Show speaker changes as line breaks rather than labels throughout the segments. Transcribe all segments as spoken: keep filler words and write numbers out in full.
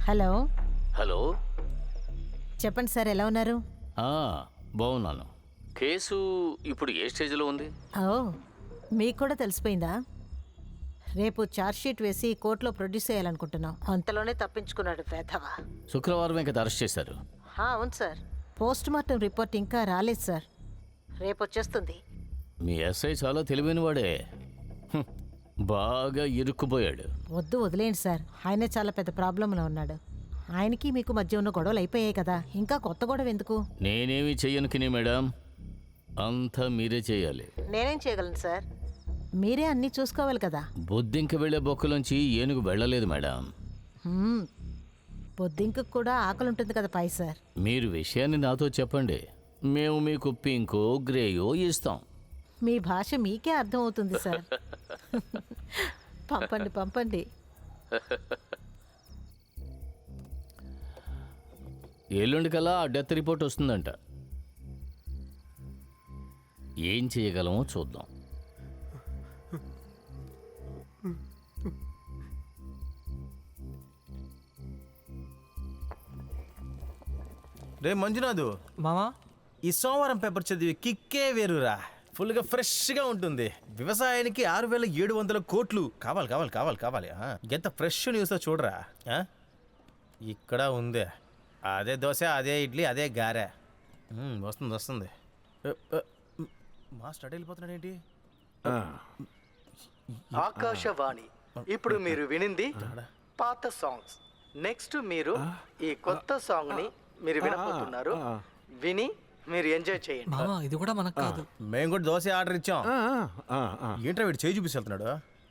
Hello
hello
చెప్పండి sir, ఎలా ఉన్నారు?
ఆ, బాగున్నాను. కేసు ఇప్పుడు ఏ స్టేజ్లో ఉంది?
ఓ, మీకు కూడా తెలిసిపోయిందా? రేపు ఛార్జ్షీట్ వేసి కోర్టులో ప్రొడ్యూస్ చేయాలనుకుంటున్నాం. అంతలోనే తప్పించుకున్నాడు వేధవా.
శుక్రవారమే కదా అరెస్ట్ చేశారు.
హా, అవును సార్. పోస్ట్ మార్టం రిపోర్ట్ ఇంకా రాలేదు సార్, రేపు వచ్చేస్తుంది.
మీ ఎస్ఐ చాలా తెలివైనవాడే. హ్మ్, బాగా ఇరుక్కుపోయాడు.
వద్దు, వదిలేండి సార్. ఆయనే చాలా పెద్ద ప్రాబ్లంలో ఉన్నాడు. ఆయనకి మీకు మధ్య ఉన్న గొడవలు అయిపోయాయి కదా, ఇంకా కొత్త గొడవ ఎందుకు?
నేనేమి చెయ్యను కిని మేడం, అంతా మీరే చేయాలి.
నేనేం చేయగలను సార్? మీరే అన్నీ చూసుకోవాలి కదా.
బొద్దింక వెళ్లే బొక్కలోంచి ఏనుగు వెళ్ళలేదు మేడం.
హ్మ్, పొద్దుంకు కూడా ఆకలి ఉంటుంది కదా పై సార్.
మీరు విషయాన్ని నాతో చెప్పండి, మేము మీకు పింకో గ్రేయో ఇస్తాం.
మీ భాష మీకే అర్థం అవుతుంది సార్. పంపండి పంపండి.
ఎల్లుండి కల్లా ఆ డెత్ రిపోర్ట్ వస్తుందంట. ఏం చేయగలమో చూద్దాం.
రే మంజునాథు
మామా,
ఈ సోమవారం పేపర్ చదివి కిక్కే వేరురా. ఫుల్గా ఫ్రెష్గా ఉంటుంది. వ్యవసాయానికి ఆరు వేల ఏడు వందల కోట్లు కావాలి కావాలి కావాలి కావాలి ఆ, ఎంత ఫ్రెష్ న్యూస్ చూడరా. ఆ? ఇక్కడ ఉంది అదే దోశ, అదే ఇడ్లీ, అదే గారె. మ్మ్, వస్తుంది వస్తుంది. ఏ, ఏ, మా స్టార్ట్ వెళ్ళిపోతున్నాడు ఏంటి?
ఆకాశవాణి. ఇప్పుడు మీరు వినింది పాత సాంగ్స్. నెక్స్ట్ మీరు ఈ కొత్త సాంగ్ ని మీరు వినబోతున్నారు. విని మీరు ఎంజాయ్ చేయండి.
మామా ఇది కూడా మనకు కాదు.
మేము కూడా దోశ ఆర్డర్ ఇచ్చాం. ఏంట్రా వీడు చేయి చూపిస్తు వెళ్తున్నాడు?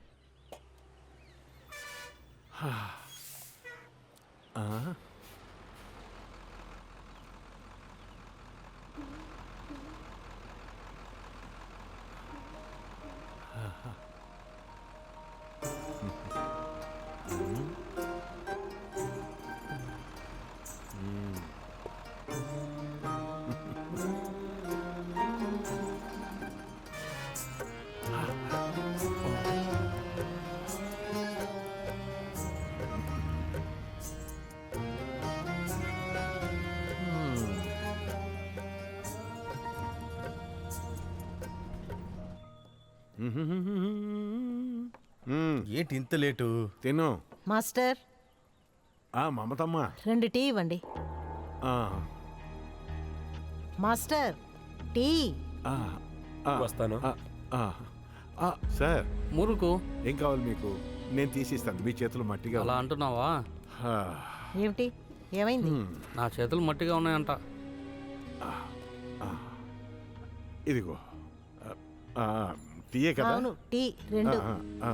ఏంటి ఇంత లేటు?
తిను.
మాస్టర్,
ఆ మమతమ్మ.
రెండు టీ ఇవ్వండి.
ఆ,
మాస్టర్, టీ.
ఆ, ఆ,
వస్తాను.
ఆ, ఆ, ఆ, సార్
మురుకు
ఏం కావాలి మీకు? నేను తీసిస్తాను. మీ చేతులు మట్టిగా
అలా
ఉన్నాయి.
అంటున్నావా?
ఆ,
ఏమిటి, ఏమైంది?
నా చేతులు మట్టిగా ఉన్నాయంట.
ఇదిగో. ఆ, టీయే కదా?
అవును, టీ రెండు.
ఆ, ఆ,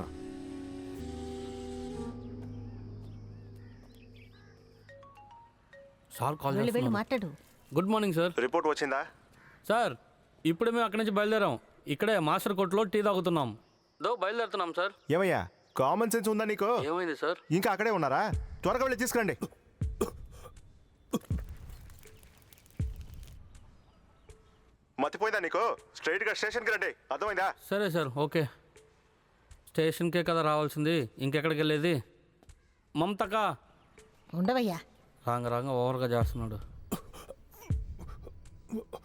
సార్ కాల్
వెళ్ళి వెళ్ళి
చేస్తున్నారు.
మాట్లాడు.
Good morning sir.
రిపోర్ట్ వచ్చిందా?
సార్ ఇప్పుడే మేము అక్కడి నుంచి బయలుదేరాం. ఇక్కడే మాస్టర్ కోర్టులో టీ తాగుతున్నాం. దో బయలుదేరుతున్నాం సార్.
ఏమయ్యా, కామన్ సెన్స్ ఉందా నీకు?
ఏమైంది సార్?
ఇంకా అక్కడే ఉన్నారా? త్వరగా వెళ్ళి తీసుకురండి. మతిపోయిందా నీకు? స్ట్రైట్ గా స్టేషన్కి రండి, అర్థమైందా?
సరే సార్, ఓకే. స్టేషన్కే కదా రావాల్సింది, ఇంకెక్కడికి వెళ్ళేది? మమతకా
ఉండవయ్యా.
రాంగ రాంగ ఓవర్గా చేస్తున్నాడు.